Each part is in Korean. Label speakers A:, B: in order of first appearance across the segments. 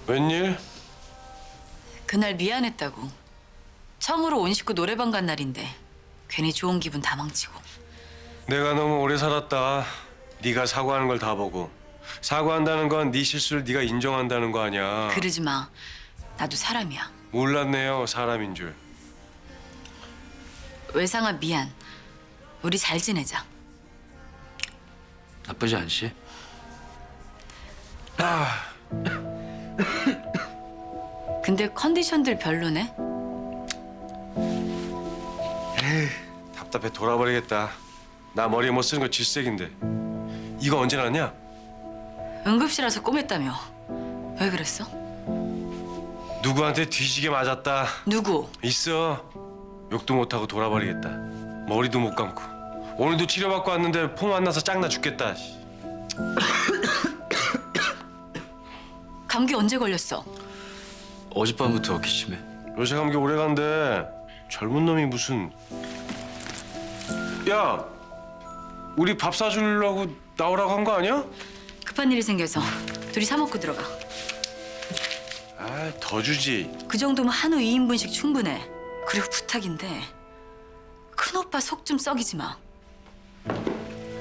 A: 웬일?
B: 그날 미안했다고. 처음으로 온 식구 노래방 간 날인데 괜히 좋은 기분 다 망치고.
A: 내가 너무 오래 살았다. 네가 사과하는 걸 다 보고. 사과한다는 건 네 실수를 네가 인정한다는 거 아니야.
B: 그러지 마. 나도 사람이야.
A: 몰랐네요, 사람인 줄.
B: 외상아 미안. 우리 잘 지내자.
C: 나쁘지 않지?
B: 근데 컨디션들 별로네.
A: 답답해 돌아버리겠다. 나 머리에 못 쓰는 거 질색인데. 이거 언제 났냐?
B: 응급실에서 꼬맸다며. 왜 그랬어?
A: 누구한테 뒤지게 맞았다.
B: 누구?
A: 있어. 욕도 못하고 돌아버리겠다. 머리도 못 감고. 오늘도 치료받고 왔는데 폼 안 나서 짱나 죽겠다.
B: 감기 언제 걸렸어?
C: 어젯밤부터 기침해.
A: 요새 감기 오래 간대. 젊은 놈이 무슨... 야! 우리 밥 사주려고 나오라고 한 거 아니야?
B: 급한 일이 생겨서 둘이 사 먹고 들어가.
A: 아, 더 주지.
B: 그 정도면 한우 2인분씩 충분해. 그리고 부탁인데 큰오빠 속 좀 썩이지 마.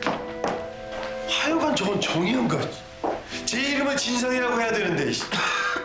A: 하여간 저건 정의연가. 제 이름은 진성이라고 해야 되는데.